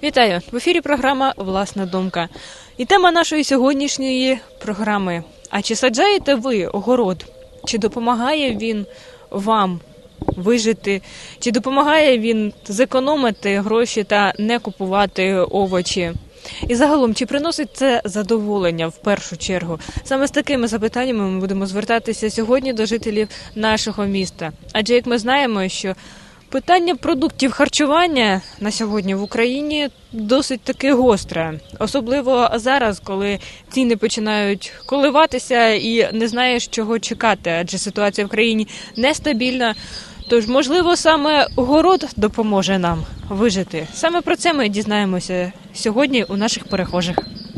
Вітаю! В ефірі програма «Власна думка». І тема нашої сьогоднішньої програми – а чи саджаєте ви огород? Чи допомагає він вам вижити? Чи допомагає він зекономити гроші та не купувати овочі? І загалом, чи приносить це задоволення в першу чергу? Саме з такими запитаннями ми будемо звертатися сьогодні до жителів нашого міста. Адже, як ми знаємо, що питання продуктів харчування на сьогодні в Україні досить таки гостре. Особливо зараз, коли ціни починають коливатися і не знаєш, чого чекати, адже ситуація в країні нестабільна. Тож, можливо, саме город допоможе нам вижити. Саме про це ми дізнаємося сьогодні у наших перехожих.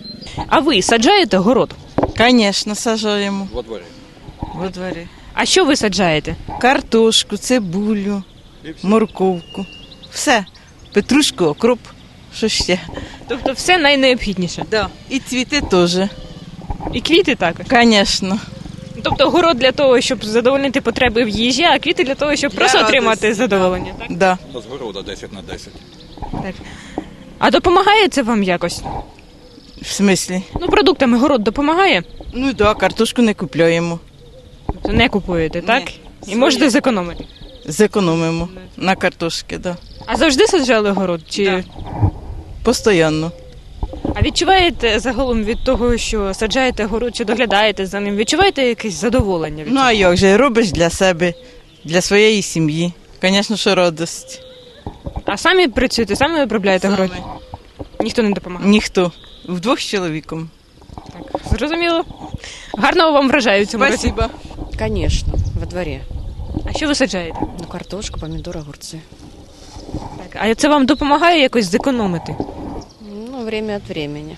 А ви саджаєте город? Конечно, сажаємо. Во дворі. Во дворі. А що ви саджаєте? Картошку, цибулю, морковку. Все. Петрушку, окроп. Що ще? Тобто все найнеобхідніше? Да. І цвіти теж. І квіти також? Конечно. Тобто город для того, щоб задовольнити потреби в їжі, а квіти для того, щоб просто радості, отримати задоволення, так? Да. З города 10/10. Так. А допомагає це вам якось? В смислі? Ну, продуктами город допомагає? Ну да, картошку не купляємо. Тобто не купуєте, так? Ні. І Своє. можете зекономити. Зекономимо на картошки, да. А завжди саджали город? Чи... Да. Постоянно. А відчуваєте загалом від того, що саджаєте город, чи доглядаєте за ним, відчуваєте якесь задоволення від Ну а як же, робиш для себе, для своєї сім'ї. Звісно, що радость. А самі працюєте, самі обробляєте город? Саме. Ніхто не допомагає? Ніхто. Вдвох з чоловіком. Так, зрозуміло. Гарного вам врожаю в цьому році. Спасибо. Конечно, во дворе. А що ви саджаєте? Ну, картошку, помидоры, огурцы. Так, а це вам допомагає якось зекономити? Ну, время от времени.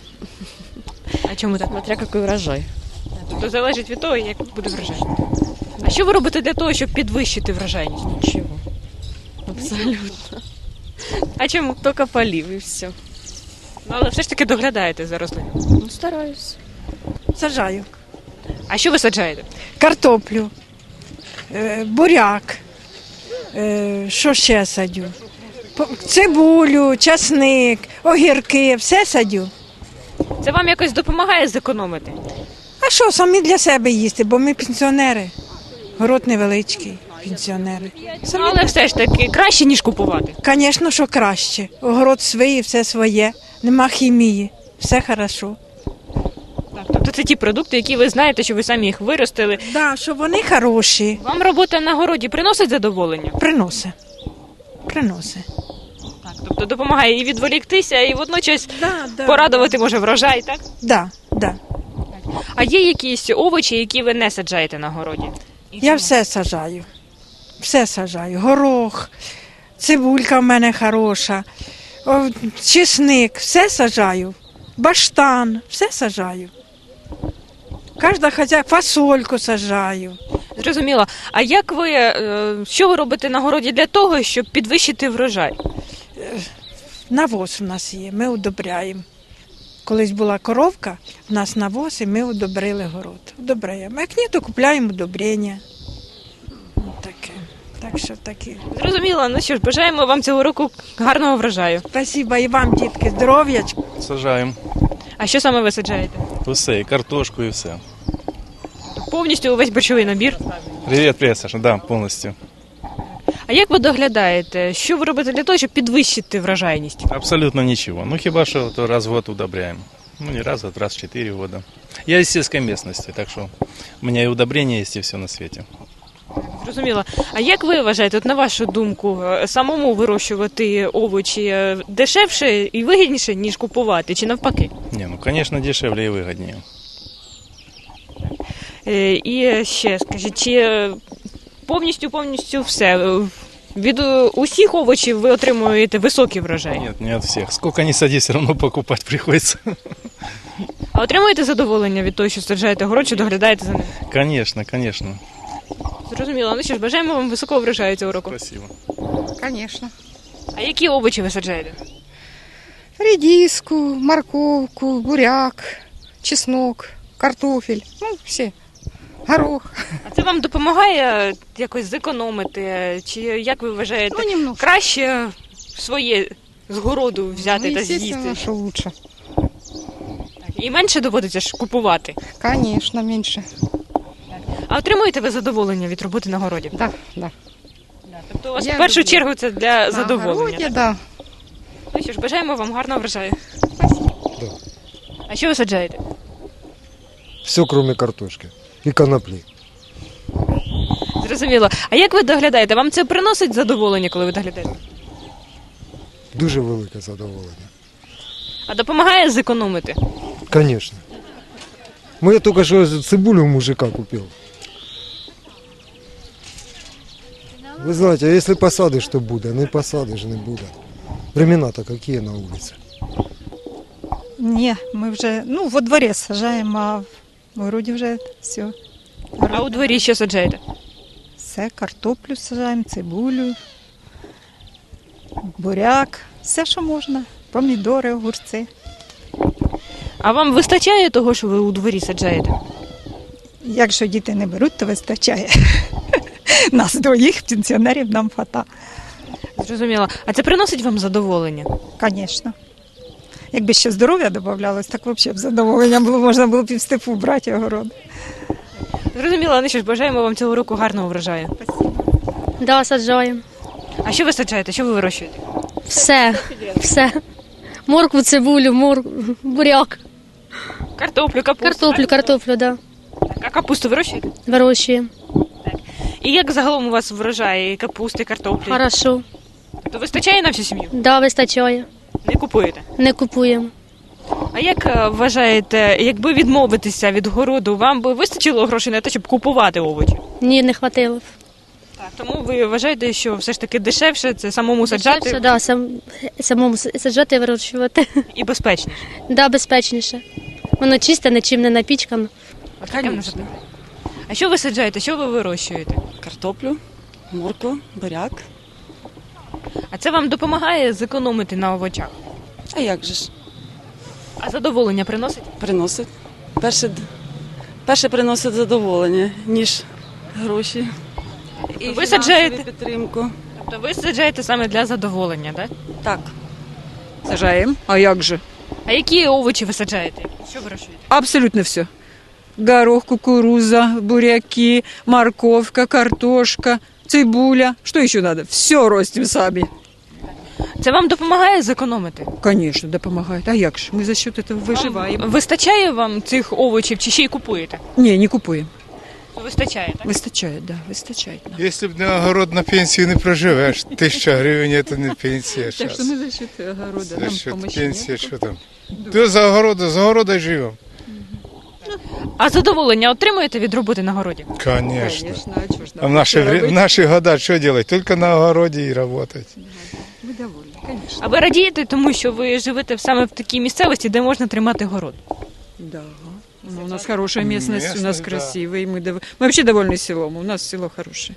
А чому так? Смотря какой урожай. Тобто залежить від того, як буде врожай. А що ви робите для того, щоб підвищити врожайність? Ничего. Абсолютно. А чому? Только полив и все. Ну, але все ж таки доглядаєте за рослинами. Ну, стараюсь. Саджаю. А що ви саджаєте? Картоплю, буряк, що ще садю? Цибулю, часник, огірки, все садю. Це вам якось допомагає зекономити? А що, самі для себе їсти, бо ми пенсіонери. Город невеличкий, пенсіонери. Ну, але все ж таки краще, ніж купувати. Звісно, що краще. Огород свій, все своє, нема хімії, все хорошо. Так, тобто це ті продукти, які ви знаєте, що ви самі їх виростили. Да, що вони хороші, Вам робота на городі приносить задоволення? приносить. Приносить. Так, тобто допомагає і відволіктися, і водночас Да, порадувати може врожай, так? Да, да. А є якісь овочі, які ви не саджаєте на городі? Я все сажаю. Все сажаю. Горох, цибулька в мене хороша, чесник, все саджаю. Баштан, все сажаю. Кожна хазяйка, фасольку сажаю. Зрозуміло. А як ви, що ви робите на городі для того, щоб підвищити врожай? Навоз у нас є, ми удобряємо. Колись була коровка, у нас навоз, і ми удобрили город. Удобряємо. Як ні, то купляємо удобрення. Таке. Так що таке. Зрозуміло. Ну що ж, бажаємо вам цього року гарного врожаю. Спасибо і вам, дітки, здоров'ячка. Сажаємо А що саме ви саджаєте? усе, і картошку, і все. Повністю увесь борщовий набір. Привіт, Саша, да, повністю. А як ви доглядаєте? Що ви робите для того, щоб підвищити врожайність? Абсолютно нічого. Ну, хіба що то раз в год удобряємо. Ну, не раз, а раз в 4 года. Я из сельской местности, так що у мене і удобрення є, і все на світі. Зрозуміло. А як ви вважаєте, от на вашу думку, самому вирощувати овочі дешевше і вигідніше, ніж купувати, чи навпаки? Не, ну, звісно, дешевле і вигідніше. І ще скажіть, чи повністю все? Від усіх овочів ви отримуєте високий врожай? Нет, не от всех. Сколько ни сади, все равно покупать приходится. А отримуєте задоволення від того, що саджаєте город, чи доглядаєте за ним? Конечно, конечно. Зрозуміло. Ну що ж, бажаємо вам високого врожаю цього року. Спасибо. Конечно. А які овочі ви саджаєте? Редиску, морковку, буряк, чеснок, картофель. Ну, все. Горох. А це вам допомагає якось зекономити? Чи як ви вважаєте, Ну, немножко. краще своє з городу взяти Ну, та естественно, з'їсти. что лучше. І менше доводиться ж купувати. Конечно, меньше. А отримуєте ви задоволення від роботи на городі? Да, да. Тобто у вас Я в першу люблю. чергу це для На задоволення. огороде, так? да. Ну що ж, бажаємо вам гарного врожаю. Да. А що ви саджаєте? Все, кроме картошки и конопли. Зрозуміло. А як ви доглядаєте? Вам це приносить задоволення, коли ви доглядаєте? Дуже велике задоволення. А допомагає зекономити? Конечно. Я только что цибулю у мужика купил. Вы знаете, а если посадишь, то буде, не посадиш, не буде. Времена-то какие на улице. Ні, ми вже во дворі сажаємо, а в городі вже все. А у дворі що саджаєте? Все, картоплю сажаємо, цибулю, буряк, все, що можна. Помідори, огурці. А вам вистачає того, що ви у дворі саджаєте? Якщо діти не беруть, то вистачає. Нас двоїх пенсіонерів нам хвата. Зрозуміло. А це приносить вам задоволення? Звісно. Якби ще здоров'я додавалось, так взагалі б задоволення було, можна було б і в степу брати огород. Зрозуміло, ну що ж, бажаємо вам цього року гарного врожаю. Да, саджаємо. А що ви саджаєте? Що ви вирощуєте? Все. Моркву, цибулю, буряк, Картоплю, капусту. картоплю, да. Так, а капусту вирощуєте? Вирощуємо. І як загалом у вас врожай капусти, картоплі? Хорошо. То вистачає на всю сім'ю? Да, вистачає. Не купуєте? Не купуємо. А як вважаєте, якби відмовитися від городу, вам би вистачило грошей на те, щоб купувати овочі? Ні, не хватило. б. Так, тому ви вважаєте, що все ж таки дешевше це самому саджати Дешевше, да, самому саджати і вирощувати. і безпечніше? Да, безпечніше. Воно чисте, нічим не напічкано. Конечно. А що ви саджаєте? Що ви вирощуєте? Картоплю, моркву, буряк. А це вам допомагає зекономити на овочах? А як же ж? А задоволення приносить? Приносить. Перше приносить задоволення, ніж гроші. І Ви саджаєте? фінансову підтримку. Тобто ви саджаєте саме для задоволення, так? Так. Сажаем. А як же? А які овочі ви саджаєте? Що вирощуєте? Абсолютно все. Горох, кукуруза, буряки, морковка, картошка, цибуля. Что еще надо? Все ростим сами. Це вам допомагає зекономити? Конечно, допомагает. А як же? Мы за счет этого выживаем. Вистачає вам цих овочів чи ще й купуєте? Не, не купуем. Вистачає, так? Вистачает, да, вистачает нам. Якщо б не огород, на пенсію не проживеш. 1000 гривень – це не пенсія. Так щас. что мы за счет огорода. За Нам счет помощи пенсії, нет. що там? Ти з огорода й живемо. А задоволення отримуєте від роботи на городі? Конечно. Конечно, а чё ж А нам в наши, робити? в наши года что делать? Только на огороде и работать. Мы довольны, конечно. А ви радієте тому, що ви живете саме в такій місцевості, де можна тримати город? Да. Ну, у нас хорошая местность, у нас Местность, да. красивая. Мы вообще довольны селом. У нас село хорошее.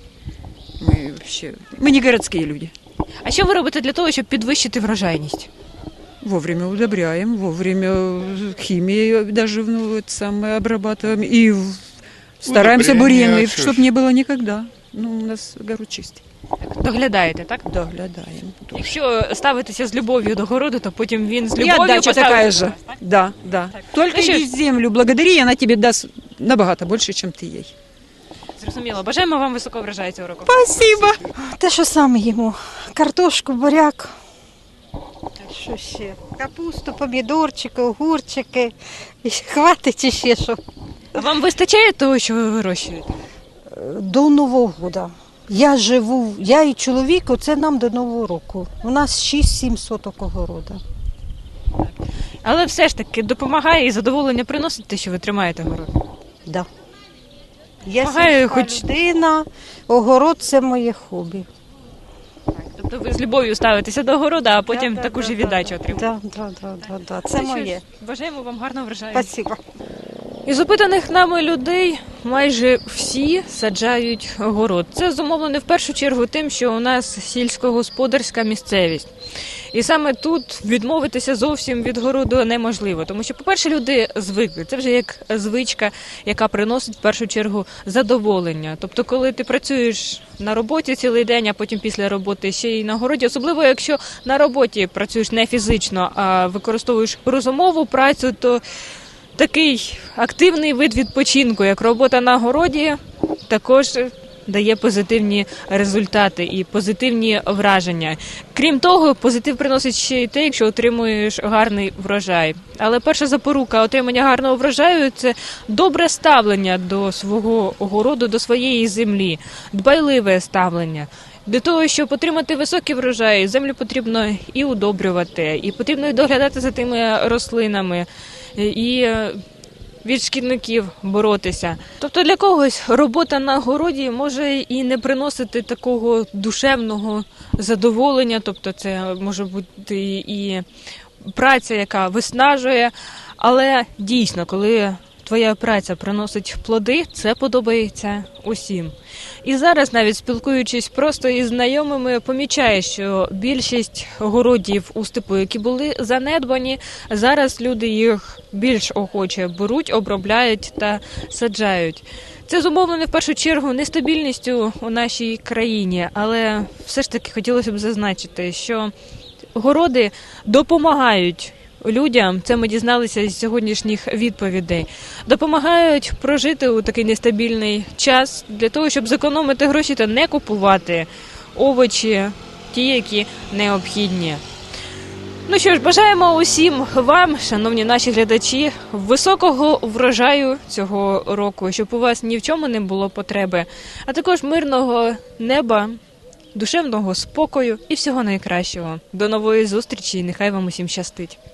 Мы не городские люди. А що ви робите для того, щоб підвищити врожайність? Вовремя удобряем, вовремя химией даже обрабатываем. И стараемся Удобрения, бурьяны, что ж. чтобы не было никогда. Ну, у нас огород чистый. Доглядаєте, так? Доглядаем. Якщо ставитися з любов'ю до городу, то потім він з И любов'ю отдача поставить такая до же. вас, так? Да, да. Только Ну, что иди в землю, благодари, и она тебе даст набагато больше, чем ты ей. Зрозуміло. Бажаємо вам високого врожаю цього року. Спасибо. Те, що саме їмо. Картошку, буряк. Що ще? Капусту, помідорчики, огурчики. І хватить ще що. А вам вистачає того, що ви вирощуєте? До Нового року. Я і чоловік, оце нам до Нового року. У нас 6-7 соток огорода. Але все ж таки допомагає і задоволення приносить те, що ви тримаєте город. Да. Я Помагає сільська хоч- людина, огород це моє хобі. Тобто ви з любов'ю ставитеся до города, а потім таку ж і віддачу отримуєте. Да. Це моє. Бажаємо вам гарного врожаю. Спасибо. Із опитаних нами людей майже всі саджають город. Це зумовлено в першу чергу тим, що у нас сільськогосподарська місцевість. І саме тут відмовитися зовсім від городу неможливо. Тому що, по-перше, люди звикли. Це вже як звичка, яка приносить в першу чергу задоволення. Тобто, коли ти працюєш на роботі цілий день, а потім після роботи ще й на городі, особливо якщо на роботі працюєш не фізично, а використовуєш розумову працю, то такий активний вид відпочинку, як робота на городі, також дає позитивні результати і позитивні враження. Крім того, позитив приносить ще й те, якщо отримуєш гарний врожай. Але перша запорука отримання гарного врожаю – це добре ставлення до свого городу, до своєї землі, дбайливе ставлення. Для того, щоб отримати високий врожай, землю потрібно і удобрювати, і потрібно і доглядати за тими рослинами, і від шкідників боротися. Тобто для когось робота на городі може і не приносити такого душевного задоволення, тобто це може бути і праця, яка виснажує, але дійсно, коли твоя праця приносить плоди, це подобається усім. І зараз, навіть спілкуючись просто із знайомими, помічаєш, що більшість городів у степу, які були занедбані, зараз люди їх більш охоче беруть, обробляють та саджають. Це зумовлено в першу чергу нестабільністю у нашій країні, але все ж таки хотілося б зазначити, що городи допомагають людям, це ми дізналися з сьогоднішніх відповідей, допомагають прожити у такий нестабільний час для того, щоб зекономити гроші та не купувати овочі, ті, які необхідні. Ну що ж, бажаємо усім вам, шановні наші глядачі, високого врожаю цього року, щоб у вас ні в чому не було потреби, а також мирного неба, душевного спокою і всього найкращого. До нової зустрічі і нехай вам усім щастить.